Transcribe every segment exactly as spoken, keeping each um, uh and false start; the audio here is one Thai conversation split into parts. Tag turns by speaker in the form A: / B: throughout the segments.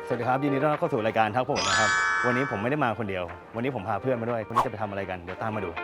A: สวัสดีครับยินดีต้อนรับเข้าสู่รายการทักผมนะครับวันนี้ผมไม่ได้มาคนเดียววันนี้ผมพาเพื่อนมาด้วยคนนี้จะไปทำอะไรกันเดี๋ยวตามมาดู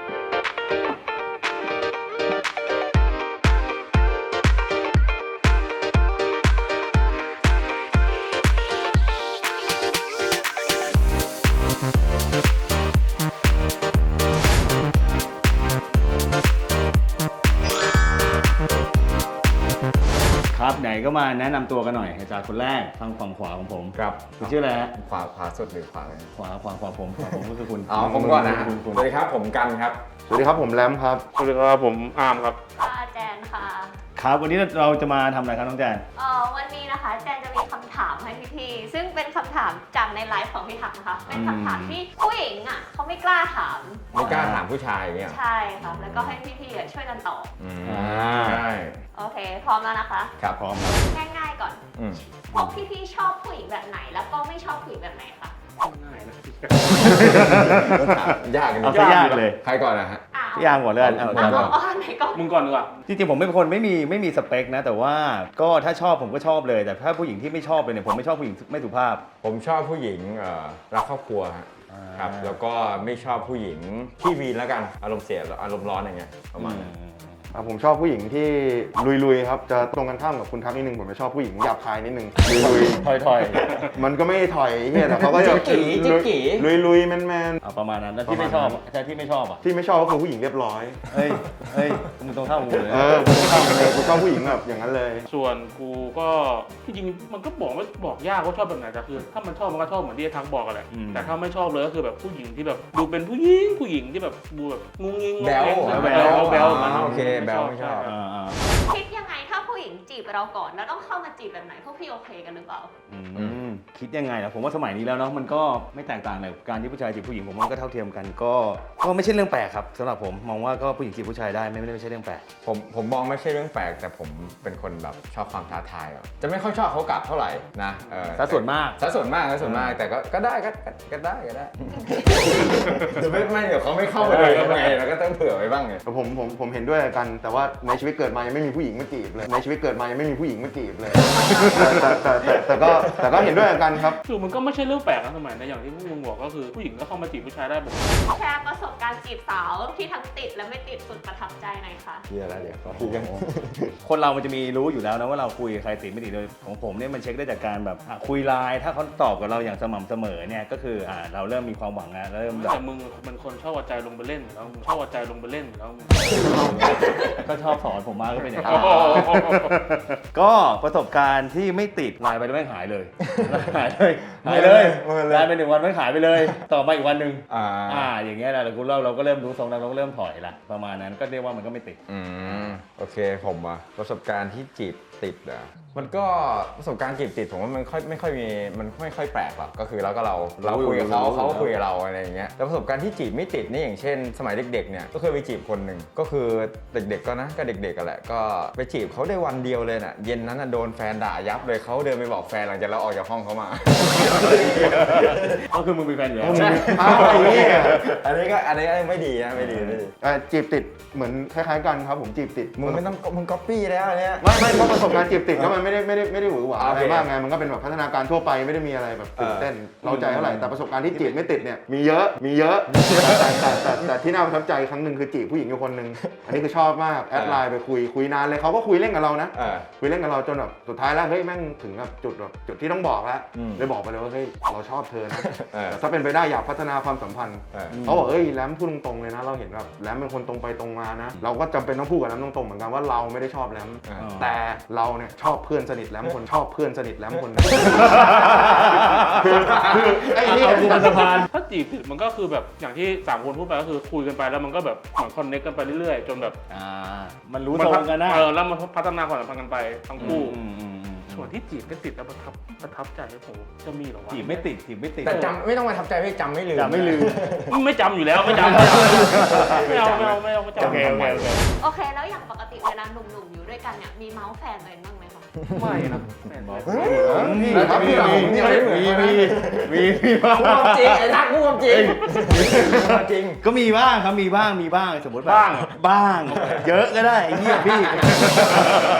A: ครับไหนก็มาแนะนำตัวกันหน่อยอาจารย์คนแรกทางฝั่งขวาของผม
B: ครับ
A: คุณชื่ออะไรฮะ
B: ขวาขวาสุดหรือขวาเลย
A: ขวาขวาขวาผมขวาผมก็คือคุณ
B: อ๋อผมก่อนนะ
A: คุณคุณ
B: สวัสดีครับผมกันครับ
C: สวัสดีครับผมแรมครับ
D: สวัสดีครับผมอาร์มครับ
E: ค่ะแจนค่ะ
A: ครับวันนี้เราจะมาทำอะไรครับน้องแจน
E: เอ่อวันนี้นะคะแจนจะมีคำถามให้พี่ๆซึ่งเป็นคำถามจากในไลฟ์ของพี่ทักนะคะ เป็นคำถามที่ผู้หญิงอ่ะเขาไม่กล้าถาม
B: ไม่กล้าถามผู้ชายเนี่ย
E: ใช่ค่ะแล้วก็ให้พี่ๆอ่ะช่วยกันตอบ
B: อืม
A: อ่า
B: ใช่
E: โอเค พร้อมแล้วนะคะ
B: ครับ
A: พร้อมครับ
E: ง่ายๆก่อน
B: อืม
E: พวกพี่ๆชอบผู้หญิงแบบไหน แล้วก็ไม่ชอบผู้หญิงแบบไหนคะ
D: ง่ายนะ
B: ถามยากกัน
A: เอา
B: ดิ
A: ซะยากเลย
B: ใครก่อนนะฮะ
E: อ่ะ
A: พี่ยางก่อนเลยกันเอา
B: เอา
E: เอา
B: ก่อน
E: เอาอันไหนก่อน
D: มึงก่อนดีกว่า
A: จริงๆผมเป็นคนไม่มีไม่มีสเปคนะ แต่ว่าก็ถ้าชอบผมก็ชอบเลย แต่ถ้าผู้หญิงที่ไม่ชอบเลยเนี่ยผมไม่ชอบผู้หญิงไม่สุภาพ
B: ผมชอบผู้หญิงเอ่อรักครอบครัวฮะครับแล้วก็ไม่ชอบผู้หญิงที่วีนแล้วกันอารมณ์เสียอารมณ์ร้อนอย่างเงี้ยประมาณนั้น
C: อ่ะผมชอบผู้หญิงที่ลุยๆครับ จะตรงกันข้ามกับคุณทักนิดนึงผมจะชอบผู้หญิงหยาบคายนิดนึงลุย
A: ถอยถอย
C: ๆมันก็ไม่ถอยเฮียแต่เขาก็จะ
B: จิ๊กกี้จิ๊กกี้
C: ลุยๆแมน
A: เอาประมาณนั้นแล้วที่ไม่ชอบอ่ะใช่ที่ไม่ชอบอ่ะ
C: ๆที่ไม่ชอบก็คือผู้หญิงเรียบร้อย
A: เฮ้ยเฮ้ยมึงตรงข้ามกูเลย
C: เออผมชอบเลยผมชอบผู้หญิงแบบอย่างนั้นเลย
D: ส่วนกูก็ที่จริงมันก็บอกว่าบอกยากว่าชอบแบบไหนแต่คือ ถ้ามันชอบมันก็ชอบเหมือนที่ไอ้ทักบอกกันแหละแต่ถ้าไม่ชอบเลยก็คือแบบผู้หญิงที่แบบดูเป็นผู้หญิงผู้หญิงที่แบบดูแบบงุ้งงิ้ง
B: แบ๊ว
D: แบ๊วแบ๊วมัน
B: โอเคแบ๊วไม่ชอบ
A: อ่าอ่า
E: คิดยังไงถ้าผู้หญิงจีบเราก่อนแล้วต้องเข้ามาจีบแบบไหนพวกพี่โอเคกันหรือเปล่า
A: อืมคิดยังไงนะผมว่าสมัยนี้แล้วเนาะมันก็ไม่แตกต่างเลยการที่ผู้ชายจีบผู้หญิงผมว่ามันก็เท่าเทียมกันก็ก็ไม่ใช่เรื่องแปลกครับสำหรับผมมองว่าก็ผู้หญิงจีบผู้ชายได้ไม่ไม่ได้ไม่ใช่เรื่องแปลก
B: ผมผมมองไม่ใช่เรื่องแปลกแต่ผมเป็นคนแบบชอบความท้าทายอะจะไม่ค่อยชอบเขากลับเท่าไหร่นะเออ
A: ซะส่วนมาก
B: ซะส่วนมากซะส่วนมากแต่ก็ก็ได้ก็ก็ก็ได้ก็ได้ เดี๋ยวไม่ไม่เดี๋ยวเขาไม่เข้ามาเลยยังไงเราก็ต้องเผื่อไว้บ้างไง
C: แต่ผมผมผมเห็นด้วยกัน แต่ว่าในชีวิตเกิดมายังไม่มีผู้หญิงมาจีบเลยในชีวิตเกิดมายังไม่มีผู้หญิงมาจีบเลยแต่แต่แต่แต่ก็แต่ก็เห็นด้วยกันครับ
D: คือมันก็ไม่ใช่เรื่องแปลกนะสมัยนะอย่างที่พวกมึงบอกก็คือผู้หญิงก็เข้ามาจีบผู้ชายได้แบบ
E: แชร์ประสบการณ์จีบสาวที่ทั้งติดและไม่ติดสุดประทับใจหน่อยค่ะ
B: เฮียแล้วเดี๋ยวเขายัง
A: คนเรามันจะมีรู้อยู่แล้วนะว่าเราคุยกับใครติดไม่ติดโดยของผมเนี่ยมันเช็คได้จากการแบบอ่ะคุยไลน์ถ้าเขาตอบกับเราอย่างสม่ำเสมอเนี่ยก็คืออ่าเราเริ่มมีความหวังแล้วเริ่มแบบ
D: แต่มึงเป็นคนชอบเอาใจลงไปเล่นอยู่แล้วมึงชอบเอาใจลงไปเล่นอยู่แล้วมึง
A: ก็ชอบสอนผมมากก็เป็นอย่าง
D: โอ้
A: นั้น
D: โห
A: ก็ประสบการณ์ที่ไม่ติดไลน์ไปแล้วไม่หายเลยหายเลยหายเลย
B: หายเลย
A: ไลน์ไปหนึ่งวันไม่หายไปเลย ต่อมาอีกวันหนึ่ง
B: อ่า
A: อ่าอย่างเงี้ยแหละเราเราเราก็เริ่มรู้ทรงแล้วเราก็เริ่มถอยละประมาณนั้นก็เรียกว่ามันก็ไม่ติด
B: อืมโอเคผมอะประสบการณ์ที่จีบติดอะมันก็ประสบการณ์จีบติดผมว่ามันค่อยไม่ค่อยมีมันไม่ค่อยแปลกหรอกก็คือเราก็เราเราคุยกับเขาเขาก็คุยกับเราอะไรอย่างเงี้ยแต่ประสบการณ์ที่จีบไม่ติดนี่อย่างเช่น สมัยเด็กๆเนี่ยก็เคยไปจีบคนหนึ่งก็คือเด็กๆก็นะก็เด็กๆกันแหละก็ไปจีบเขาได้วันเดียวเลยน่ะเย็นนั้นน่ะโดนแฟนด่ายับเลยเขาเดินไปบอกแฟนหลังจากเราออกจากห้องเขามา
A: ก็คือมึงมีแฟนอยู่แล้ว
C: ใช่ อ้าวไอ้เหี้ย
B: อันนี้ก็อันนี้ไม่ดีนะไม่ดีไม่ดี
C: เอ่อจีบติดเหมือนคล้ายๆกันครับผมจีบติด
B: มึงไม่ต้องมึงก๊อปปี้แล้วอันเนี้ย
C: ไม่ไม่เพราะประสบการณ์จีบติดก็มันไม่ได้ไม่ได้ไม่ได้หวือหวา
B: โอ
C: อะไร
B: เค
C: มากไงมันก็เป็นแบบพัฒนาการทั่วไปไม่ได้มีอะไรแบบตื่นเต้นเราใจเท่าไหร่แต่ประสบการณ์ที่จีบไม่ติดเนี่ยมีเยอะมีเยอะแต่แต่แต่แต่ที่น่าประทับใจครั้งหนึ่งคือจีบผู้หญิงอยู่คนหนึ่งอันนี้คือชอบมากแอดไลน์ไปคุยคุยนานเลยเขาก็คุยเล่นกับเรานะ
B: เออ
C: คุยเล่นกับเราจนแบบสุดท้ายแล้วเฮ้ยแม่งถึงแบบจุดแบบจุดที่ต้องบอกแล้ว
B: อืม
C: เลยบอกไปเลยว่าเฮ้ยเราชอบเธอนะ
B: เออ
C: แต่ถ้าเป็นไปได้อยากพัฒนาความสัมพันธ์
B: เออ
C: เขาบอกเอ้ยแรมพูดตรงๆเลยนะเราเห็นแบบแรมเป็นคนตรงไปตรงมานะเราก็จำเป็นต้องพูดกับแรมตรงๆเหมือนกันว่าเราไม่ได้ชอบแรม
B: เออ
C: แต่เราเนี่ยชอบเพื่อนสนิทแรมคนชอบเพื่อนสนิทแรมคนนึงคือคือไอ้นี่
A: เอากูเป็นสะพาน
D: ถ้าจีบติดมันก็คือแบบอย่างที่สามคนพูดไปก็คือคุยกันไปแล้วมันก็แบบเหมือนคอนเนคกันไปเรื่อยๆจนแบบ
A: อ่ามันรู้ทรงกันนะ
D: เออแล้วมันพัฒนาความสัมพันธ์กันไปทั้งคู่
A: อืมอืมอืม
D: ส่วนที่จีบไม่ติดแล้วประทับประทับใจผมจะมีเหรอวะ
A: จีบไม่ติดจีบไม่ติด
B: แต่จำไม่ต้องมาทับใจพี่จำไม่ลืม
A: จำไม่ลืม
D: ไม่จำอยู่แล้วไม่จำไม่เอาไม่เอาไม่เอาไม่
A: โอ
D: จำ
A: เคโอเคโอเค
E: โอเค แล้วอย่างปกติเวลาหนุ่มๆอยู่ด้วยกันเนี่ยมีเมาส์แฟนตัวเองบ้างไหมคะ
D: ไม่นะแม่น
B: เฮ้ย
C: นี่
B: แล้ว
C: ครับ
B: พี่
C: พี่
B: เรา
C: เรา
B: ผมเนี่ยไม่เหมือน
A: มี
B: กัน
A: มี
B: นะ
A: มีมีบ้าง
B: พูดความจริงไอ้ทักพูดความจริงจริง
A: ก็มีบ้างครับมีบ้างมีบ้างสมมติแบบ
D: บ้าง
A: บ้าง เยอะก็ได้ไอ้เหี้ยพี่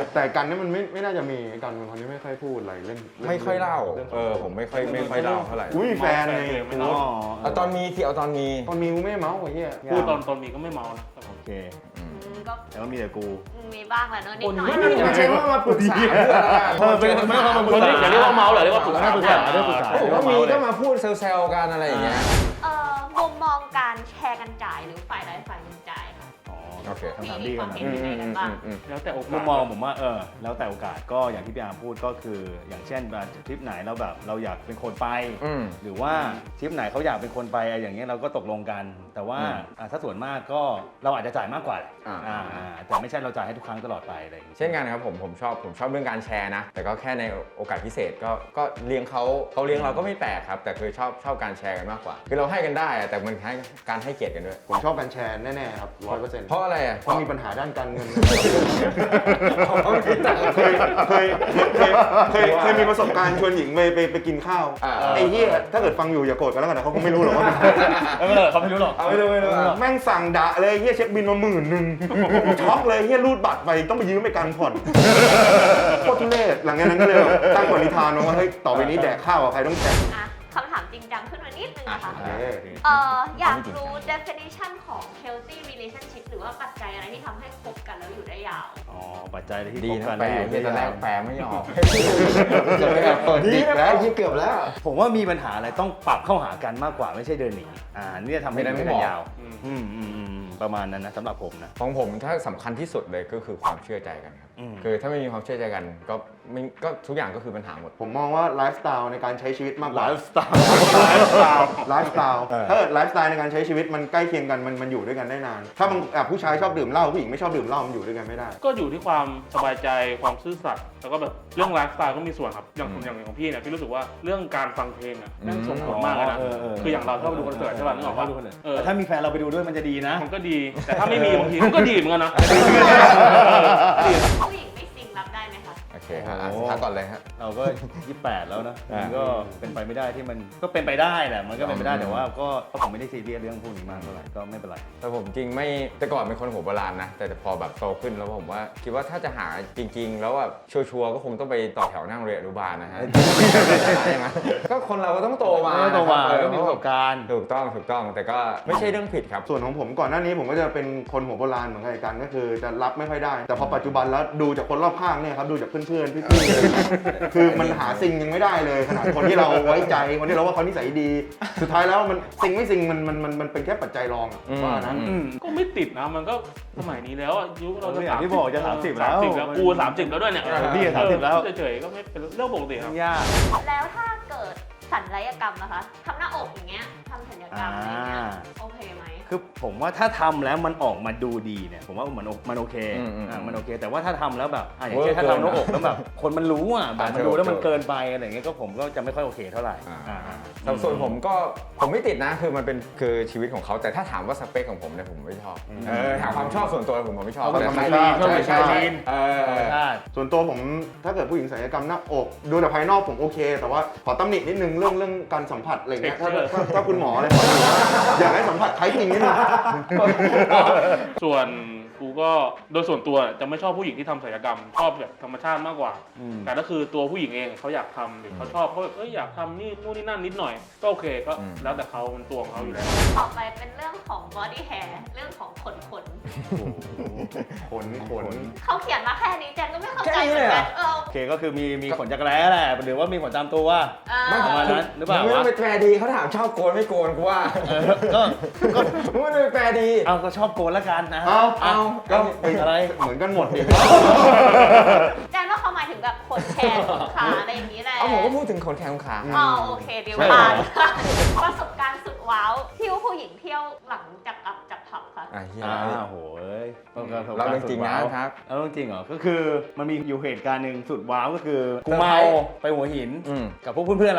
C: แต่กันนี่มันไม่ไม่น่าจะมีกันเป็นคนที่ไม่ค่อยพูดอะไรเรื่อง
B: ไม่ค่อยเล่า
C: รื่อง
B: เออผมไม่ค่อยไม่ค่อยเล่าเท่าไหร่
C: กูมีแฟนไง
D: ไม่
C: กู
D: เล่า
B: เอาตอนมีสิเอาตอนมี
C: ตอนมีกูไม่เมาไอ้เหี้ย
D: พูดตอนตอนมีก็ไม่เมานะ
A: โอเค
E: อืมก็
A: แต่ว่ามีแต่กู
E: มีบ้างแหละเนอะนิดหน่อย
B: ไม่มีใช่ว่ามาปรึกษาเพื่ออะไร
A: เออเป็นไม่ต้องมาปรึ
D: ค
A: ก
D: น
A: ษา
D: นี้อย่าเรียกว่าเมาเหรอเรียกว่าปรึกษา
A: ปรึกษาเรียกปรึกษา
B: ผมว่ามีก็มาพูดเซลล์ๆกันอะไรอย่างเงี้ย
E: เอ่อมุมมองการแชร์กันจ่ายหรือฝ่ายใดฝ่ายหนึ่งจ่ายค่ะ
A: อ๋อ
B: โอเค
A: คำถาม
E: มี
A: ดี
E: ค
A: กั
E: วาน ม
A: นะ
E: เห็นยังไงกันบ้าง
D: แล้วแต่โอกาส
A: มุมมองผมว่าเออแล้วแต่โอกาสก็อย่างที่พี่อาร์มพูดก็คือ อย่างเช่นแบบทริปไหนเราแบบเราอยากเป็นคนไป
B: อืม
A: หรือว่าทริปไหนเขาอยากเป็นคนไปอะไรอย่างเงี้ยเราก็ตกลงกัน แต่ว่า
B: อืม
A: อ่ะถ้าส่วนมากก็เราอาจจะจ่ายมากกว่าแหละ
B: อ่า
A: อ่าอ่าแต่ไม่ใช่เราจ่ายให้ทุกครั้งตลอดไปอะไรอย่างเงี้ย
B: เช่นกันครับผมผมชอบผมชอบเรื่องการแชร์นะ แต่ก็แค่ในโอกาสพิเศษก็ก็เลี้ยงเขาเขาเลี้ยงเราก็ไม่แปลกครับ แต่คือชอบชอบการแชร์กันมากกว่า คือเราให้กันได้อะแต่มันให้การให้เกียรติกันด้วย
C: ผมชอบการแชร์แน่ๆครับร้อยเปอร์เซ็นต์
B: เพราะอะไรอ่ะ
C: เพราะมีปัญหาด้านการเงิน
B: เพราะมีตังค์
C: เคยเคยเคยเคยเคยมีประสบการณ์ชวนหญิงไปไปไปกินข้าว
B: อ่า
C: ไอ้เหี้ยถ้าเกิดฟังอยู่อย่าโกรธกันแล้วกันนะเขาคงไม่รู้หรอกว่าเป็นใคร
A: เออเขาไม่รู้หรอก
B: เอาไม่รู้ไม่รู้
C: แม่งสั่งดะเลยเฮียเช็คบินมาหมื่นหนึ่งช็อกเลยเฮียรูดบัตรไปต้องไปยืมไปกันผ่อนโคตรทุเรศหลังจากนั้นก็เลยแบบตั้งปณิธานว่าเฮ้ยต่อไปนี้แดกข้าวกับใครต้องแข่ง
E: อ่ะคำถามจริงจังขึ้นมานิดนึงนะคะ
C: โอเค
E: เอ่ออยากรู้ definition ของ healthy relationship หรือว่าปัจจัยอะไรที่ทำให้คบกันแล้วอยู่ได้ยาว
A: อ๋อปัจจัยอะไรที่
B: ดี
A: ตรงกั
B: นะ
A: น
B: แปล
A: แล้วอยู่
B: ที่ตอนแรกแปลไม่ออก
C: จะไปแบบเปิดดิกแล้ว
B: เกือบแล้ว
A: ผมว่ามีปัญหาอะไรต้องปรับเข้าหากันมากกว่าไม่ใช่เดินหนีอ่านี่จะทำให้
B: ไม่ได้
A: อยู่
B: ไม่
A: ได้
B: บอก
A: ยาวอืมอืมอืมประมาณนั้นนะสำหรับผมนะ
B: ของผมถ้าสำคัญที่สุดเลยก็คือความเชื่อใจกันครับ
A: อืม
B: คือถ้าไม่มีความเชื่อใจกันก็ไม่ก็ทุกอย่างก็คือปัญหาหมด
C: ผมมองว่าไลฟ์สไตล์ในการใช้ชีวิตมากกว่า
A: ไลฟ์สไตล์
C: ไลฟ์สไตล์ไลฟ์สไตล์
A: เออ
C: ถ้าเกิดไลฟ์สไตล์ในการใช้ชีวิตมันใกล้เคียงกันมันมันอยู่ด้วยกันได้นาน ถ้าบางอ่ะผู้ชายชอบดื่มเหล้าผู้หญิงไม่ชอบดื่มเหล้ามันอยู่ด้วยกันไม่ได้
D: ก็อยู่ที่ความสบายใจความซื่อสัตย์แล้วก็แบบเรื่องไลฟ์สไตล์ก็มีส่วนครับอย่าง
B: อืม
D: อย่างของพี่เนี่ยพี่รู้สึกว่าเรื่องการฟังเพลงอ่ะแม่งส่งผลมากเลยนะ
A: เออเออ
D: คืออย่างเราชอบดูคอนเสิร์ตใช่ป่ะนึกออกปะเออ
A: แต่ถ้ามีแฟนเราไปดูด้วยมันจะดีนะ
D: มันก็ดี แต่ถ้าไม่มีบางทีมันก็ดีเหมือนกันนะดี
E: ผู้หญิงไม่ซิงรับได้ไหมคะ
B: โอเคครับอ่ะ
A: โอ้
B: ทักก่อนเลยฮะ
A: เราก็ยี่สิบแปดแล้วนะ
B: อ่ามั
A: มันก็เป็นไปไม่ได้ที่มันก็เป็นไปได้แหละมันก็เป็นไปได้
B: อืม
A: แต่ว่าก็ก็ผมไม่ได้ซีเรียสเรื่องพวกนี้มากเท่าไหร่ก็ไม่เป็นไร
B: แต่ผมจริงไม่แต่ก่อนเป็นคนหัวโบราณนะ แต่พอแบบโตขึ้นแล้วผมว่าคิดว่าถ้าจะหาจริง ๆ แล้วแบบชัวร์ๆก็คงต้องไปต่อแถวนั่งเรียนอนุบาลนะฮะ ก็คนเราก็ต้องโตมา
A: ก็โตมา
B: นะครับ
A: ก็มีประสบการณ์
B: ถูกต้องถูกต้องแต่ก็ไม่ใช่เรื่องผิดครับ
C: ส่วนของผมก่อนหน้านี้ผมก็จะเป็นคนหัวโบราณเหมือนกันก็คือจะรับไม่ค่อยได้ แต่พอปัจจุบันแล้วดูจากคนรอบข้างเนี่ยครับดูจากเพื่อนๆพี่ๆคือมันหาซิงยังไม่ได้เลยขนาดคนที่เราไว้ใจคนที่เราว่าเขานิสัยดี สุดท้ายแล้วมันซิงไม่ซิงมันมันมันมันเป็นแค่ปัจจัยรองอะ
B: อืม
C: ว่านะ
A: อืม
D: ก็ไม่ติดนะมันก็สมัยนี้แล้วอะยุคเราจะ
A: อย่างที่บอกจะ30แล้ว
D: สามสิบแล้วกูสามสิบแล้วด้วยเนี่ย
A: เออพี่ก็สามสิบแล้ว
D: เฉยๆก็ไม่เป็นเรื่องปกติครับ
A: ยาก
E: แล้วถ้าเกิดศัลยกรรมนะคะทำหน้าอกอย่างเงี้ยทำศัลยกรรมอะไรเงี้ย
A: อ่า
E: โอเคไหม
A: คือผมว่าถ้าทำแล้วมันออกมาดูดีเนี่ยผมว่ามันโอมันโอเค
B: อืมอืม
A: อ่ามันโอเค แต่ว่าถ้าทำแล้วแบบอ่ะอย่างเช่น
B: เวอร์
A: ถ้า
B: เกิน
A: ทำหน้าอกแล้วแบบคนมันรู้อ่ะแบบ
B: อ่า
A: มันดูแล้วมัน
B: ถูก
A: เกินไปอะไรอย่างเงี้ยก็ผมก็จะไม่ค่อยโอเคเท่าไหร่
B: อ่า
A: อ่าอ่า
B: แต่ส่วนผมก็ผมไม่ติดนะคือมันเป็นคือชีวิตของเขาแต่ถ้าถามว่าสเปคของผมเนี่ยผมไม่ชอบเออถามความชอบส่วนตัวผมผมไม่ชอบ
C: เอาเป็น
B: แต่
C: ธรรมชาติ
B: ใช่ใช่
A: ใช่
B: ใช่เออ
A: ธรรมชาติ
C: ส่วนตัวผมถ้าเกิดผู้หญิงศัลยกรรมหน้าอก ดูแต่ภายนอกผมโอเค แต่ว่าขอตำหนินิดนึงเรื่องเรื่องการสัมผัสอะไรเงี้ยถ้าถ้าถ้าคุณหมออะไรขอดูว่าอยากให้สัมผัสคล้ายจริงนิดนึง
D: ส่วนกูก็โดยส่วนตัวจะไม่ชอบผู้หญิงที่ทำศัลยกรรมชอบแบบธรรมชาติมากกว่า
A: อืม
D: แต่ก็คือตัวผู้หญิงเองเขาอยากทำหรือเขาชอบเขาแบบเอ้ยอยากทำนี่นู่นนี่นั่นนิดหน่อยก็โอเคก็
B: อืม
D: แล้วแต่เขามันตัวของเขาอยู่แล้ว
E: ต่อไปเป็นเรื่องของ body hair เรื่องของขนขน
C: ขนขน
E: เขาเขียนมาแค่นี้แจนก็ไม่เข้าใจ
B: แค่นี้
E: เหมื
B: เล
E: อย น
B: เหร
E: กั
B: อ
E: นเออ
A: โอเคก็คือมีมีขนจักรแร้แหละหรือว่ามีขนตามตัว
E: เออ
A: ประมาณนั้นหรือเปล่า
B: ไม่ต้อง
A: วะ
B: ไปแปลดีเขาถามชอบโกนไม่โกนกูว่า
A: เออก็ก็
B: ไม่ต้องไปแปลดี
A: เอาก็ชอบโกนละกันนะ
C: เอา
B: เอา
C: ก็
A: อะไร
C: เหมือนกันหมดดิ
E: แจนว่าเขาหมายถึงแบบขนแขนขนขาอะไรอย่างนี้แหละ
B: เอาผมก็พูดถึงขนแขนขนขา
E: อ๋อโอเคเดี๋ยว
A: ใช่
E: ผ่านประสบการณ์สุดว้าวที่ว่าผู้หญิงเที่ยวหลังจากกลับจากผับค่ะ
B: อ่ะเฮีย
A: อ่าโหเอ้ย
B: เราเรื่องจริงนะครับ
A: เราเรื่องจริงเหรอก็คือมันมีอยู่เหตุการณ์หนึ่งสุดว้าวก็คือกู
B: เซอร์ไพร
A: เมา
B: ส์
A: ไปหัวหิน
B: อืม
A: กับพวกเพื่อนๆเราแหละ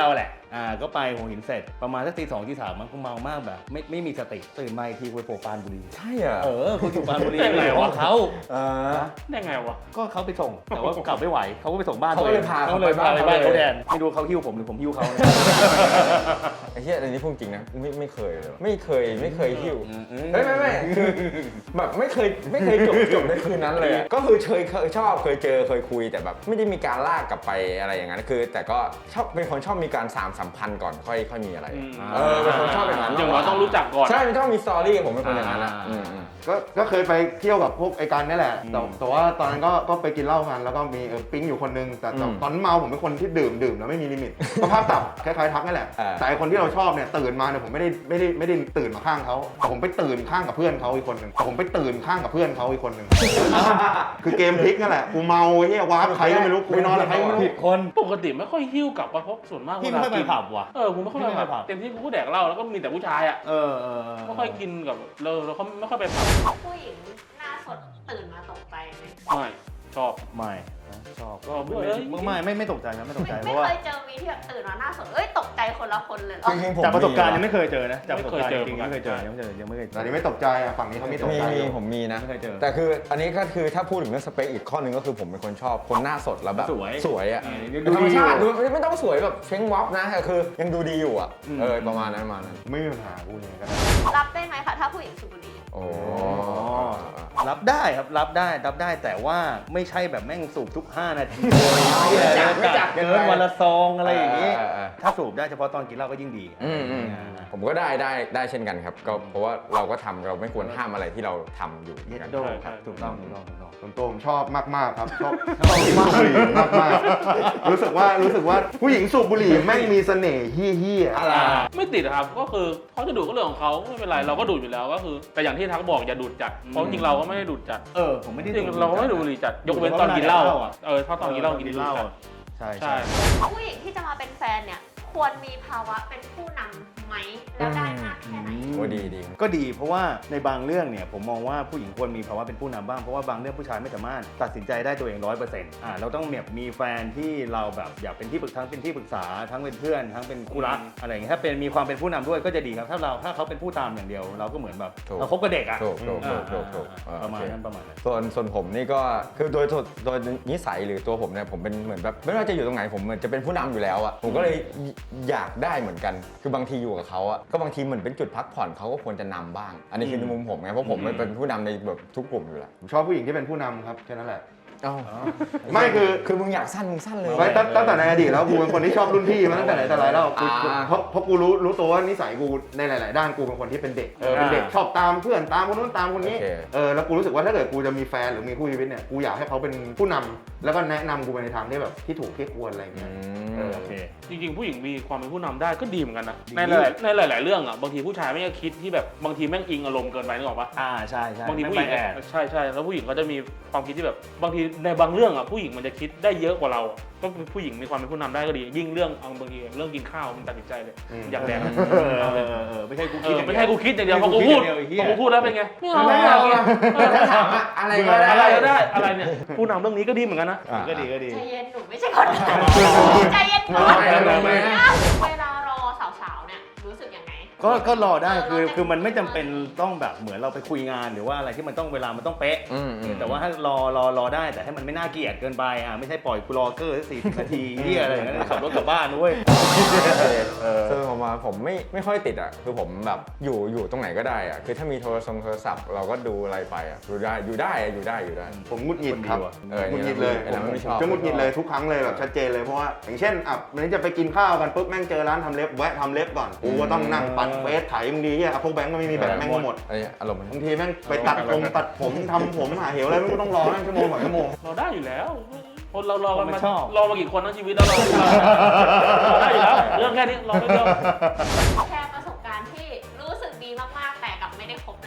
A: อ่าก็ไปหัวหินเสร็จประมาณสักตีสองตีสามมันคงเมามากแบบไม่ไม่มีสติตื่นมาอีกทีคุยโปรปานบุรี
B: ใช่อ่ะ
A: เออคุณอยู่ปานบุรี
D: ได้ไงวะ
A: ของเขา
B: เออ
D: ได้ไงวะ
A: ก็เขาไปส่งแต่ว่ากลับไม่ไหวเขาก็ไปส่งบ้าน
B: เขาก็เลยพา
A: เขาเลยพาไป
B: เขาไป
A: บ้าน
B: บ้าน
A: เขาแดนไม่รู้เขาหิ้วผมหรือผมหิ้วเขาเนี่ย
B: ไอ้เหี้ยอันนี้พูดจริงนะไม่ไม่เคยเลยไม่เคยไม่เคยหิ้ว
A: อืมอืม
B: เฮ้ยไม่ไม่คือแบบไม่เคยไม่เคยจบจบในคืนนั้นเลยอะก็คือเคยเคยชอบเคยเจอเคยคุยแต่แบบไม่ได้มีการลากกลับไปอะไรอย่างนั้นคือ แต่ก็ชอบเป็นคนชอบมีการสามสัมพันธ์ก่อนค่อยค่อยมีอะไร
D: อืม
B: เออเป็นคนชอบอย่างนั้น
D: อย่างน้อยต้องรู้จักก่อน
B: ใช่มันต้องมีสตอรี่ผมเป็นคนอย่างนั้นนะอืมอืม
C: ก็ก็เคยไปเที่ยวกับพวกไอ้การนี่แหละแต่แต่ว่าตอนนั้นก็ก็ไปกินเหล้ากันแล้วก็มีเออปิ๊งอยู่คนนึงแต่แต่
B: อืม
C: ตอนนั้นเมาผมเป็นคนที่ดื่มดื่มแล้วไม่มีลิมิต ก็ภาพตับคล้ายๆทักนั่นแหละ
B: เออ
C: แต่ไอ้คนที่เราชอบเนี่ยตื่นมาเนี่ยผมไม่ได้ไม่ได้ไม่ได้ตื่นมาข้างเขาแต่ผมไปตื่นข้างกับเพื่อนเขาอีกคนหนึ่งแต่ผมไปตื่นข้างกับเพื่อนเขาอีกคนหนึ่ง คือเกมพลิกนั่นแหละกูเมาไอ้เหี้ยวาร์ปใครก็ไม่รู้กูไปนอนกับใครก็ไม่รู้
A: ผิดคน
D: ปกติไม่ค่อยหิ้วกลับมาเพราะส่วนมาก
A: พี่ไม่ค่อยไป
D: กิน
A: ผับว่ะ
D: เออผมไม่ค่อยไป
A: พี่ไม่ค่อยผั
D: ผับบ เต็มที่กูก็แดกเหล้าแล้วก็มีแต่ผู้ชายอ่ะ
A: เออเออเออ
D: ไม่ค่อยกินกับเราเราเขาไม่ค่อยไปผับ
E: ผู้หญิงหน้าสดตื่นมาตกใจไหม
D: ไม่ชอบ
A: ไม่นะชอบ
D: ชอบด้วย
A: ไม่ไม่ไม่ไม่ตกใจนะไม่ตกใจ
E: ไม่
A: เพ
E: ไม่
A: ราะว่า
E: เคยเจอวีที่แบบตื่นมาหน้าสดเอ้ยตกใจคนละคนเลยเหรอ
B: จริงๆผม
A: จากประสบการณ์
B: มี
A: ยังไม่เคยเจอนะจากประสบการณ์
D: ไม่เคยเจอ
A: จริงๆยังไม่เคยเจอยังไม่เคยเจอยังไม่เคยเจ
C: แต่อัน
A: อ
C: นี้ไม่ตกใจอ่ะฝั่งนี้เขาไม่ตก
B: มี
C: ใจ
B: มี
C: อยู่
B: ผมมีนะ
A: ไม่เคยเจอ
B: แต่คืออันนี้ก็คือถ้าพูดถึงเรื่องสเปคอีกข้อหนึ่งก็คือผมเป็นคนชอบคนหน้าสดแล้วแบบ
A: สวย
B: สวยอ่ะ
A: เออ
B: ธรรมชาติ
A: ดู
B: ดู
A: ดีอยู่
B: ไม่ต้องสวยแบบเช้งวับนะแต่คือยังดูดีอยู่อ่ะ
A: อืม
B: เออประมาณนั้นประมาณนั้น
C: ไม่มีปัญหากูเนี่ยก็ได้
E: รับได้ไหมคะถ้าผู้หญิงสูบบุหรี่
B: โอ้
A: รับได้ครับรับได้รับได้แต่ว่าไม่ใช่แบบแม่งสูบทุก ห้า นาที
B: ไม่จัดไม่จัด
A: เกินวันละซองอะไรอย่างนี้
B: เออเออ
A: ถ้าสูบได้เฉพาะตอนกินเหล้าก็ยิ่งดี
B: อืมอืมผมก็ได้ได้ได้เช่นกันครับก็เพราะว่าเราก็ทำเราไม่ควรห้ามอะไรที่เราทำอยู่เหมื
A: เย็
B: อน
A: ด
B: กัน
A: โดครับถูกต้องถูกต้องถูกต้อง
C: ส่วนตัวผมชอบมากๆครับชอบชอบมากบุหรี่มากๆรู้สึกว่ารู้สึกว่าผู้หญิงสูบบุหรี่แม่งมีเสน่ห์เฮี้ยๆ
B: อะไร
D: ไม่ติดอะครับก็คือเขาจะดูดก็เรื่องของเขาไม่เป็นไรเราก็ดูดอยู่แล้วก็คือ แต่อย่างที่ทักบอกอย่าดูดจัดเพราะจริงๆเราก็ไม่ได้ดูดจัด
A: เออผมไม่ได้
D: จริงๆเราก็ไม่ดูดบุหรี่จัดยกเว้นตอนกินเหล้าอะเออถ้าตอนกินเหล้ากินเหล้า
A: ใช่
D: ใช่
E: ผู้หญิงที่จะมาเป็นแฟนเนี่ยควรมีภาวะเป็นผู้นำไหมแล้วได้มากแค่ไหน
B: โอ้ดีดี
A: ก็ดีเพราะว่าในบางเรื่องเนี่ยผมมองว่าผู้หญิงควรมีภาวะเป็นผู้นำบ้างเพราะว่าบางเรื่องผู้ชายไม่สามารถตัดสินใจได้ตัวเองร้อยเปอร์เซ็นต์อ่าเราต้องแบบมีแฟนที่เราแบบอยากเป็นที่ปรึกทั้งเป็นที่ปรึกษาทั้งเป็นเพื่อนทั้งเป็นคู่รักอะไรอย่างเงี้ยถ้าเป็นมีความเป็นผู้นำด้วยก็จะดีครับถ้าเราถ้าเขาเป็นผู้ตามอย่างเดียว เราก็เหมือนแบบเราคบกับเด็กอ่ะ
B: ถูกถูกถู
A: อ่าก
B: ถูกถูก
A: อ่าประมาณนั้นประมาณนั้น
B: ส่วนส่วนผมนี่ก็คือโดยโดยโดยนิสัยหรือตัวผมเนี่ยผมเป็นเหมือนแบบไม่ว่าจะอยู่ตรงไหนผมเหมือนจะเป็นผู้นำอยู่แล้วอะผมก็เลยอยากได้เหมือนกันคือบางทีอยู่กับเขาอะก็บางทีเหมือนเป็นจุดพักผ่อนเขาก็ควรจะนำบ้าง อันนี้คือในมุมผมไงเพราะผมเป็นผู้นำในแบบทุกกลุ่มอยู่แล้ว
C: ผมชอบผู้หญิงที่เป็นผู้นำครับแค่นั้นแหละ
B: เอ้า
C: ไม่คือ
B: คือมึงอยากสั้นมึงสั้นเลย
C: ไม่ตั้งตั้งแต่ในอดีตแล้วกูเป็นคนที่ชอบรุ่นพี่มาตั้งแต่ไหนแต่ไรแล้วกู
B: อ่า
C: เพราะเพราะกูรู้รู้ตัวว่านิสัยกูในหลาย ๆ ด้านกูเป็นคนที่เป็นเด็กเออเป็นเด็กชอบตามเพื่อนตามคนนู้นตามคนนี้
B: โอเค
C: เออแล้วกูรู้สึกว่าถ้าเกิดกูจะมีแฟนหรือมีคู่ชีวิตเนี่ยกูอยากให้เขาเป็นผู้นำแล้วก็แนะนำกูไปในทางที่แบบที่ถูกที่ควรอะไรอย่าง
B: อื
C: เงี้ย
B: ม
C: เออ
A: โอเค
D: จริงๆผู้หญิงมีความเป็นผู้นำได้ก็ดีเหมือนกันนะ
A: ดี
D: ในหลายในหลาย ๆ เรื่องอ่ะบางทีผู้ชายไม่ได้คิดที่แบบบางทีแม่งอิงอารมณ์เกินไปนึกออกปะ
A: อ่าใช่ใช่
D: บางที
A: ไม่
D: ผู้ห
A: ไป
D: ญิง
A: แอบ
D: ใช่ใช่แล้วผู้หญิงเขาจะมีความคิดที่แบบบางทีในบางเรื่องอ่ะผู้หญิงมันจะคิดได้เยอะกว่าเราก็ผู้หญิงมีความเป็นผู้นำได้ก็ดี ยิ่งเรื่องเอาบางทีเรื่องกินข้าวมันตัดสินใจเลย
C: อืม
D: อยากแดก
A: เออเออเออเออไม่ใช่กู
D: เอ
A: คิด
D: อ
A: อย่าง
D: ไม่
A: เดียว
D: ใช่กูคิดอย่างเดียวพ
A: ไม่
D: อ
A: ใช่
D: กู
A: กู
D: พูด
A: คิดอย่างเดียวไอ้เหี้ย
D: พอกูพูดแล้วเป็นไงไม่เอาไม่
B: ไม่
D: เอา
B: เอา
D: เออ
B: ถ้าถามว่าอะไรก็
D: อะไร
B: ได้
D: ก็ได้อะไรเนี่ยผู้นำเรื่องนี้ก็ดีเหมือนกันนะ
B: อ่ะ
A: ก็ดีก็ดี
E: ใจเย็นหนูไม่ใช่คนใจเย็นก่อน
B: ไม่ไม่ไม่
E: เวลารอสาวๆเนี่ยรู้สึกยังไง
A: ก็ก็รอได้
E: เออ
A: คือ
E: รอได้
A: คือมันไม่จำเป็นต้องแบบเหมือนเราไปคุยงานหรือว่าอะไรที่มันต้องเวลามันต้องเป๊ะ
B: อืมอืม
A: แต่ว่าถ้ารอรอรอได้แต่ให้มันไม่น่าเกลียดเกินไปอ่ะไม่ใช่ปล่อยกูรอเกอร์สี่สิบนาทีเหียอะไรอย่างเงี้ยขับรถกลับบ้านด้วย
B: เออซึ่งผมมาผมไม่ไม่ค่อยติดอ่ะคือผมแบบอยู่อยู่ตรงไหนก็ได้อ่ะคือถ้ามีโทรศัพท์โทรศัพท์เราก็ดูอะไรไปอ่ะอยู่ได้อยู่ได้อะอยู่ได้อยู่ได้
C: ผมหงุดหงิดครับ
A: คนดีว่ะ
B: เออ
C: หงุดหงิดเลย
B: ไอ้เราไม่ชอบ
C: จะหงุดหงิดเลยทุกครั้งเลยแบบชัดเจนเลยเพราะว่าอย่างเช่นอ่ะวันนี้จะไปกินข้าวกันปุ๊บแม่งเจอร้านทำเล็บแวะทำเล็บก่อนกูก็ต้องนั่งปั่นเฟซไถมึงดีอ่ะพวกแบงก์ก็ไม่มีแบตแม่งก็หมด
B: อันนี้อารมณ์มัน
C: บางทีแม่งไปตัดผมตัดผมทำผมหาเหวอะไรไม่รู้ต้องรอนั่งชั่วโมงกว่าชั่วโมง
D: เราได้อยู่แล้วคนเรารอกัน
A: ผม
D: มา
A: ไม่ชอบ
D: รอมากี่คนทั้งชีวิตแล้วเราเราได้อยู่แล้วเรื่องแค่นี้รอไม่เดียว
E: แชร์ประสบการณ์ที่รู้สึกดีมากๆแต่กลับไม่ได้คบเลยค่ะ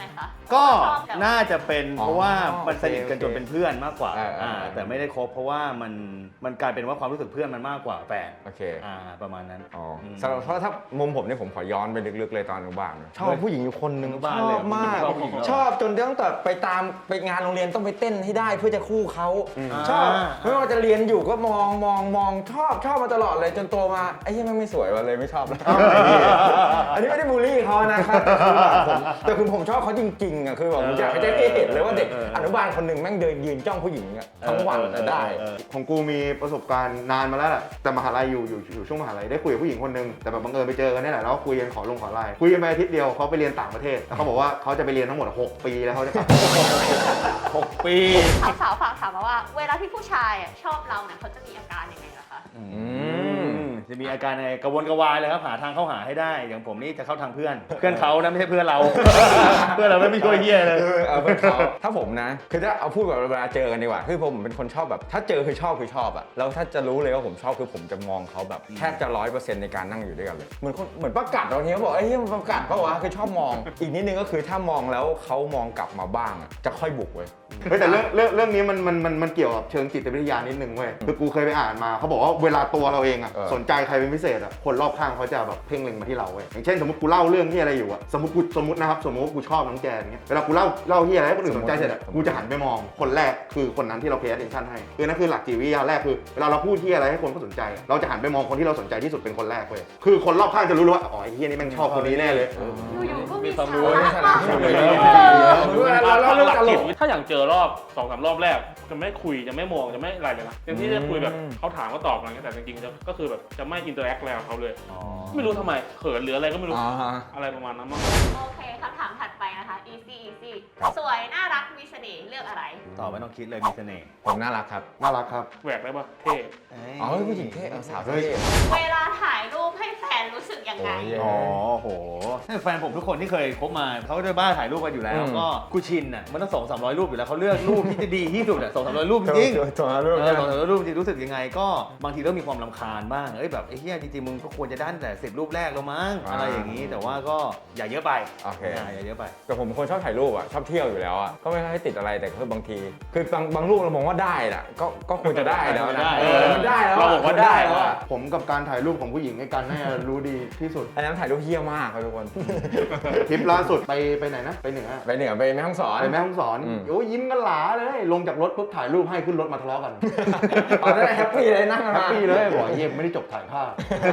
A: ก็
E: ชอบแบบ
A: น่าจะเป็นเพราะว่า
B: อ๋อ
A: มันสนิทกัน
B: โอเค
A: จนเป็นเพื่อนมากกว่า
B: อ่าอ่า
A: อ่าแต่ไม่ได้คบเพราะว่ามันมันกลายเป็นว่าความรู้สึกเพื่อนมันมากกว่าแฟน
B: โอเค
A: อ่าประมาณนั้น
B: อ๋ออ
A: ม
B: สำหรับเพราะถ้ามุมผมเนี่ยผมขอย้อนไปลึกๆเลยตอนอนุบาลนะชอบผู้หญิงอยู่คนหนึ่ง
A: อนุบาล
B: ช
A: เล
B: อย บมาก
A: ชอบผู้หญิงเหรอ
B: ชอบจนตั้งแต่ไปตามไปงานโรงเรียนต้องไปเต้นให้ได้เพื่อจะคู่เขา ชอบ
A: อ่า
B: ไม่ว่าจะเรียนอยู่ก็มองมองมองชอบชอบมาตลอดเลยจนโตมาไอ้ยี่มันไม่สวยว่ะเลยไม่ชอบแล้วอันนี้ไม่ได้บูลลี่เขานะครับแต่คือผมชอบเขาจริงๆอ่ะคือแบบผมอยากให้ได้เห็นเลยว่าเด็กอนุบาลคนหนึ่งแม่งเดินยืนจ้องผู้หญิงอ่ะทั้งวันแต่ได้
A: เออ
C: ของกูมีประสบการณ์นานมาแล้วแหละแต่มหาลัยอยู่อยู่อยู่ช่วงมหาลัยได้คุยกับผู้หญิงคนหนึ่งแต่แบบบังเอิญไปเจอกันนี่แหละแล้วก็คุยกันขอลงขอไลน์คุยกันไปอาทิตย์เดียวเขาไปเรียนต่างประเทศแล้วเขาบอกว่าเขาจะไปเรียนทั้งหมดหกปีแล้วเขาจะกลับ
A: หกปี
E: สาวๆฝากถามมาว่า เวลาที่ผู้ชายอ่ะชอบเราเนี่ยเขาจะมีอาการยังไงล่ะคะ
A: อืมจะมีอาการยังไงกระวนกระวายเลยครับหาทางเข้าหาให้ได้ อย่างผมนี่จะเข้าทางเพื่อน เพื่อนเขานะไม่ใช่เพื่อนเรา เพื่อนเราไม่ช่วยเฮียเลย
B: คือเอาเป็นเขาถ้าผมนะ คือถ้าเอาพูดแบบเวลาเจอกันดีกว่าคือผมเป็นคนชอบแบบ ถ้าเจอคือชอบคือชอบอะแล้วถ้าจะรู้เลยว่าผมชอบคือผมจะมองเขาแบบแทบจะร้อยเปอร์เซ็นต์ในการนั่งอยู่ด้วยกันเลยเหมือนคนเหมือนประกาศตอนนี้เขาบอกไอ้ยมันประกาศปะวะคือชอบมอง อีกนิดนึงก็คือถ้ามองแล้วเขามองกลับมาบ้างอะจะค่อยบุกเว้ย
C: เฮ้ยแต่เรื่องเรื่องเรื่องนี้มันมันมันมันเกี่ยวกับเชิงจิตวิทยานิดนึงเว้ยคือกูเคยไปอ่านมาเขาบอกว่าเวลาตัวเราเองอะ
B: เออ
C: สนใจใครเป็นพิเศษอะคนรอบข้างเขาจะแบบเพ่งเล็งมาที่เราเว้ยอย่างเช่นสมมติกูเล่าเรื่องที่อะไรอยู่อะสมมติกูสมมตินะครับสมมติว่ากูชอบน้องแจนเงี้ยเวลากูเล่าเล่าที่อะไรให้คนอื่นสนใจเสร็จอะกูจะหันไปมองคนแรกคือคนนั้นที่เรา pay attention ให้คือนั่นคือหลักจิตวิทยาแรกคือเวลาเราพูดที่อะไรให้คนเขาสนใจอะเราจะหันไปมองคนที่เราสนใจที่สุดเป็นคนแรกเว้ยคือคนรอบข้างจะรู้เลยว่าอ๋อไอ้เฮียนี่แม่งชอบคนนี้แน่เลย
E: อยู่ๆก็มี
A: มีความรู้
E: สาระ
B: มี
E: มาก
B: ความรู้ เวลาเราเล่าเรื่องตลก
D: ถ้าอย่างเจอรอบสองสามรอบแรกจะไม่คุยจะไม่มองจะไม่อะไรเลยนะเต็มที่จะคุยแบบเขาถามก็ตอบอะไรเงี้ยแต่จริงๆจะก็คือแบบจะไม่อินเตอร์แอคแล้วเขาเลย ไม่รู้ทำไมเขินหรืออะไรก็ไม่รู้
B: อ๋อฮะ
D: อะไรประมาณนั้นมั้ง
E: โอเคคำถามถัดไปนะคะ easy easy
B: ครับ
E: สวยน่ารักมีเสน่ห์เลือกอะไร
A: ตอบไม่ต้องคิดเลยมีเสน่ห์
B: ผมน่ารักครับ
C: น่ารักครับ
D: แหวกได้ปะเท่
B: อ๋อผู้หญิงเท่เอาสาวเท่
E: เวลาถ่ายรูปให้แฟนรู้สึกยังไง
B: โอ้ย
A: อ๋อโหแฟนผมทุกคนที่เคยคบมาเขาจะบ้าถ่ายรูปกันอยู่แล้ว
B: อืม
A: ก็กูชินอ่ะมันต้องสองสามร้อยรูปอยู่แล้วเขาเลือกรูปที่จะดีที่สุดอ่ะสองสามร้อยรูปจริง
B: ตัวรูป
A: เออสองสามร้อยรูปจริงรู้สึกยังไงก็บางทีก็มีความรำคาญบ้างเอ้ยแบบไอ้เหี้ยจริงๆมึงก็ควรจะด้านแต่สิบรูปแรกแล้วมั้งอะไรอย่างนี้แต่ว่าก็อย่าเยอะไป
B: โอเค
A: อ่าอย่าเยอะไป
B: แต่ผมเป็นคนชอบถ่ายรูปอ่ะชอบเที่ยวอยู่แล้วอ่ะก็ไม่ค่อยติดอะไรแต่คือบางที คือบางบางรูปเรามองว่าได้แหละก็ก็ควรจะได้แล้วนะ
A: ได้
B: เออมันได้แล้วะ
D: เราบอกว่าได้แล้ว
B: อะ
D: อะ
C: ผมกับการถ่ายรูปของผู้หญิงในการน่าจะรู้ดีที่สุด
B: อันนั้นถ่ายรูปเฮี้ยมากครับทุกคน
C: ทริปล่าสุดไปไปไหนนะไปเหนือ
B: ไปเหนือไปแม่ฮ่องสอน
C: ไปแม่ฮ่องสอน
B: อืม
C: โอ้ยยิ้มกันหลาเลยลงจากรถปุ๊บถ่ายรูปให้ขึ้นรถมาทะเลาะกัน
B: ตอนนั้นแฮปปี้เลยนั่งกัน
C: แฮ
B: มา
C: ปปี้เลยบอกเยี่ยมไม่ได้จบถ่ายภาพ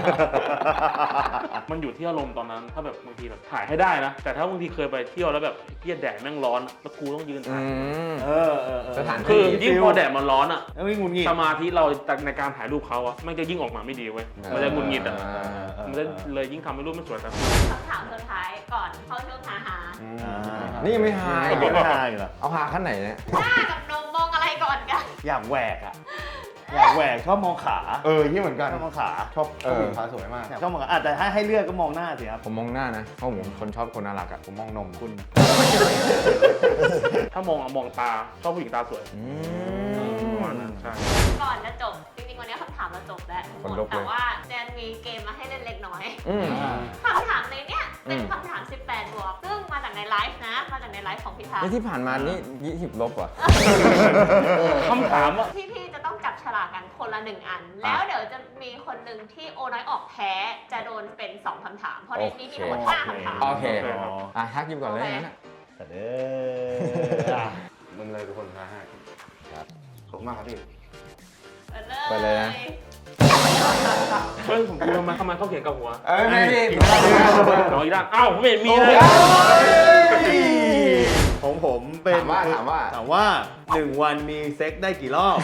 D: มันอยู่ที่อารมณ์ตอนนั้น ถ้าแบบบางทีแบบถ่ายให้ได้นะ แต่ถ้าบางทีเคยไปเที่ยวแล้วแบบเหี้ยแดดแม่งร้อนอะแล้วกูต้องยืน
B: อื
D: ถ่าย
B: ม
A: เออเออเออ
B: สถานที่
D: คือยิ่งพอแดดมันร้อนอ่ะ
A: แล้วไม่งุนงิด
D: สมาธิเราในการถ่ายรูปเขาอะมันจะยิ่งออกมาไม่ดีเว้ย มันจะหงุดหงิดอ่ะ มันจะเลยยิ่งทำให้รูปไม่สวยครับ
E: คำถามสุดท้ายก่อนเข้าช่วงหาหา
A: อ่า
B: นี่ไม่หาย
A: ไม่หายเหรอ
B: เอาหาขั้นไหนเนี่ย
E: หน้ากับนมมองอะไรก่อนกัน
A: อยากแหวกอ่ะอยากแหวกชอบมองขา
C: เออยี่เหมือนกัน
A: ชอบมองขา
C: ชอบชอบผู้หญิงขาสวยมาก
A: ชอบมองขาอ่ะแต่ถ้าให้เลือกก็มองหน้าสิครับ
B: ผมมองหน้านะเพราะผมคนชอบคนน่ารักอ่ะ
C: ผมมองนม
A: คุณ
D: ถ้ามองอะมองตา ชอบผู้หญิงตาสวย
B: อื
D: ประมาณ
B: ม
D: นั้นใช่
E: ก่อนจะจบจริงๆวันนี้คำถามเราจบแล้ว
B: คนลุกเลย
E: แต่ว่าแจนมีเกมมาให้เล่นเล็กน้อย
B: อืม
E: คำถามในเนี้ยเป็น
B: อืม
E: คำถาม สิบแปด บวก ซึ่งมาจากในไลฟ์นะ มาจากในไลฟ์ของพี่ทัก
B: นี่ที่ผ่านมานี่ยี่สิบลบว่ะ
D: คำถามอะ
E: พี่ๆจะต้องจับฉลากกันคนละหนึ่งอัน แล้วเดี๋ยวจะมีคนหนึ่งที่โอน้อยออกแพ้ จะโดนเป็นสองคำถาม เพราะในนี้มีทั้งหมดห้าคำถาม
B: โอเค
D: โอเคครับ
B: อ่ะทักยิบก่อนเลยงั้นอะ
A: แต่เด้อ
C: มึงเลยทุกคนนะฮะครับขอบคุณมากครับพี่
E: เปิดเลย
B: เปิดเลยนะ
D: เฮ้ยผมดูทำไมทำไมเขาเขียนกับหัว
B: เอ้ยไม่ดิ
D: น้องอีด้านอ้าวผมไม่เห็นมีเลย
A: ของผมเป็น
B: ถามว่าถามว่า
A: ถามว่าหนึ่งวันมีเซ็กได้กี่รอบ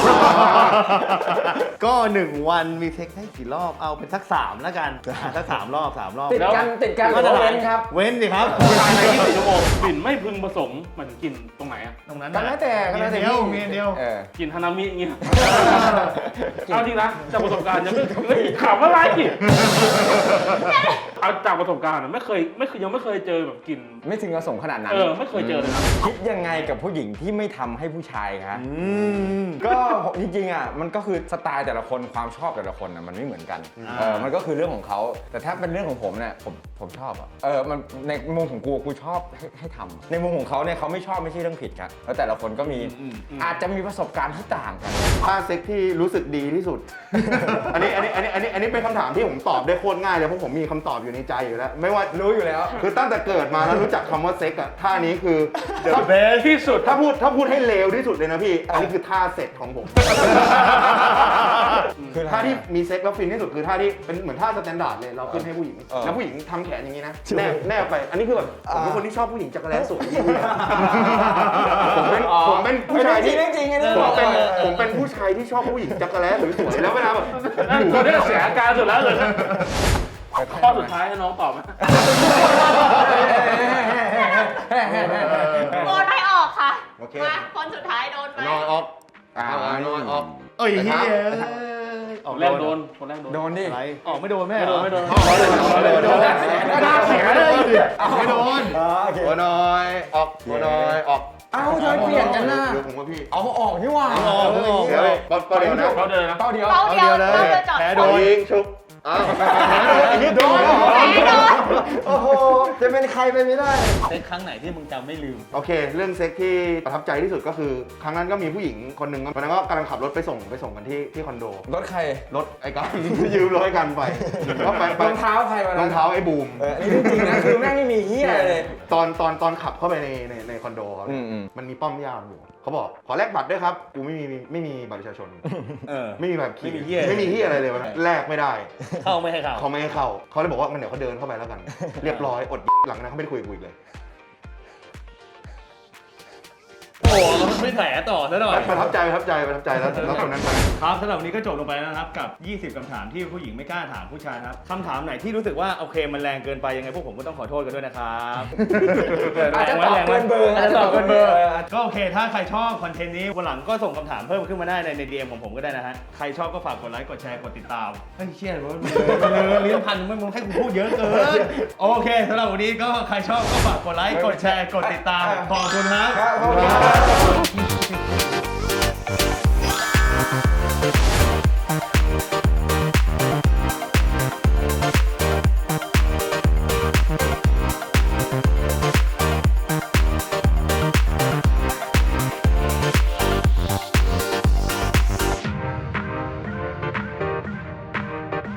A: ก็หนึ่งวันมีเซ็กได้กี่รอบ เอาเป็นสักสามแล้วกันอ่ะสักสามรอบสามรอบ
B: ติดกันติดกัน
A: มาตรฐาน
B: เว้นครับ
A: เว้นสิครับ
D: ภายในยี่สิบสี่ชั่วโมงกลิ่นไม่พึงประสงค์มันกลิ่นตรงไหนอะ
A: ตรงนั้น
B: ก็แล้วแต่ก็
A: มี
B: แล้วแต่
A: เดียว
B: พี่
A: มีเดียว
B: เออ
D: กลิ่นฮานามิอย่างเงี้ยเอาจริงนะจากประสบการณ์ยังไม่เฮ้ยขำอะไรอีกเอาจากประสบการณ์อะไม่เคยไม่เคยยังไม่เคยเจอแบบกลิ่น
B: ไม่ถึงกับส่งขนาดนั้น
D: เออไม่เคยเจอเลยนะ
B: คิดยังไงกับผู้หญิงที่ไม่ทำให้ผู้ชายครับ
A: อืม
B: ก็จริงๆอ่ะมันก็คือสไตล์แต่ละคนความชอบแต่ละคนอ่ะมันไม่เหมือนกัน
A: อ่า
B: เออมันก็คือเรื่องของเขาแต่ถ้าเป็นเรื่องของผมเนี่ยผมผมชอบอ่ะเออมันในมุมของกูกูชอบให้ให้ทำในมุมของเขาเนี่ยเขาไม่ชอบไม่ใช่เรื่องผิดครับแล้วแต่ละคนก็มีอาจจะมีประสบการณ์ที่ต่างกัน
C: ท่าเซ็กที่รู้สึกดีที่สุด อันนี้อันนี้อันนี้อันนี้อันนี้เป็นคำถามที่ผมตอบได้โคตรง่ายเลยเพราะผมมีคำตอบอยู่ในใจอยู่แล้ว ไม่ว่า
B: รู้อยู่แล้ว
C: คือตั้งแต่เกิดมาแล้วรู้จักคำว่าเซ็กอะท่านี้คือ
A: The best
D: ที่สุด
C: ถ้าพูดถ้าพูดให้เลวที่สุดเลยนะพี่ อันนี้คือท่าเสร็จของผม
B: คืออะไร
C: ท่าที่มีเซ็กแล้วฟินที่สุดคือท่าที่เป็นเหมือนท่าสแตนดาร์ดเลยเราขึ้นให้ผู้หญิง
B: เออ
C: แล้วผู้หญิงทำแขนอย่างนี้นะแนบแนบไป อันนี้คือแบบผมเป็นคนที่ชอบผู้หญิงจักรแลสวยที่สุดผมเป็นผมเป็นผู้ชายที่
B: เรื่องจริงเรื่องจริง
C: ผมเป็น
B: เออ
C: ผมเป็นผู้ชายที่ชอบผู้หญิงจักรแลสวยๆแล้วเวลาแบบ
D: ตัวนี้เสียอาการสุดแล้วเลยข้อสุดท้ายให้น้องตอบไหม
E: โดนให้ออกค่ะ
C: โอเค
E: มาคนสุดท้ายโดนไป
C: นอนออกอ่านอนออก
A: เอ้ยเฮีย
D: คนแรกโดนคนแรกโดน
B: โดนดิ
A: อะไรออกไม่โดนแม่
D: ไม่
A: เห
D: โด
A: ร
D: น
A: อ
D: ไม่โดน
C: ไม่โดน
A: น่าเสียเลยไม่โดน
B: อ๋อโอเค
C: หัวน้อยออกหัวน้อยออก
B: เอ้าทำไมเปลี่ยนกันน่ะ
C: เดี๋ยวผมว่าพี่
B: เอาออกนี่หว่า
A: เอาออกเอาออก
C: เดี๋ยวเป้าเดียวนะ
D: เขาเดินนะ
B: เป้าเดียว
E: เป้าเดียว
A: เอาเดียวเลย
E: เป้าเดียวจอด
A: แพ้
C: โด
A: โด
C: น
A: น
C: ยิงชุบอ้าวโดน
E: แพ้โดน
B: โอ้โหจะเป็นใครไปไม่ได้
A: เซ็กครั้งไหนที่มึงจำไม่ลืม
C: โอเค เรื่องเซ็กที่ประทับใจที่สุดก็คือ ครั้งนั้นก็มีผู้หญิงคนหนึ่งวันนั้นก็กำลังขับรถไปส่งไปส่งกันที่ที่คอนโด
B: รถใคร
C: รถไอ้กัน ยืมรถไอ้กันไปก็ไปไป
B: รองเท้าใครวะ
C: รองเท้าไอ้บูม
B: เอออันนี้เรื่องจริงนะคือแม่งไม่มีเฮียอะไรเลย
C: ตอนตอนตอนขับเข้าไปในในในคอนโดเขา
B: อืมอืม
C: มันมีป้อมยามอยู่เขาบอกขอแลกบัตรด้วยครับกูไม่มีไม่มีบัตรประชาชน
A: เออ
C: ไม่มีแบบขี่
A: ไม่มีเหี้ย
C: ไม่มีเฮียอะไรเลยวันนั้นแลกไม่ได้
A: เข้าไม่ให้เข้า
C: เขาไม่ให้เข้าเขาเลยบอกว่ามันเดี๋ยวเขาเดินเข้าไปแล้วกัน เรียบร้อยอดหลังนั้นเขาไม่ได้คุยกับกูอีกเลย
A: โอ้โหไม่แถต่อซะหน่อย
C: ประทับใจประทับใจประทับใจแล้วแล้วคนนั้นไป
A: ครับสำหรับวันนี้ก็จบลงไปแล้วนะครับกับ ยี่สิบ คำถามที่ผู้หญิงไม่กล้าถามผู้ชายนะครับคำถามไหนที่รู้สึกว่าโอเคมันแรงเกินไปยังไงพวกผมก็ต้องขอโทษกันด้วยนะครับ
B: อาจจะตอบเกินเบอร์
A: อาจจะตอบเกินเบอร์ก็โอเคถ้าใครชอบคอนเทนต์นี้วันหลังก็ส่งคำถามเพิ่มขึ้นมาได้ในใน ดี เอ็ม ของผมก็ได้นะฮะใครชอบก็ฝากกดไลค์กดแชร์กดติดตามเฮ้ยเชี่ยเลยเลยลิ้นพันไม่มึงให้กูพูดเยอะเกินโอเคสำหรับวันนี้ก็ใครชอบก็ฝากกดไลค์กดแชร์กดติดตามขอบคุณครับ
B: ครับขอบคุณครับ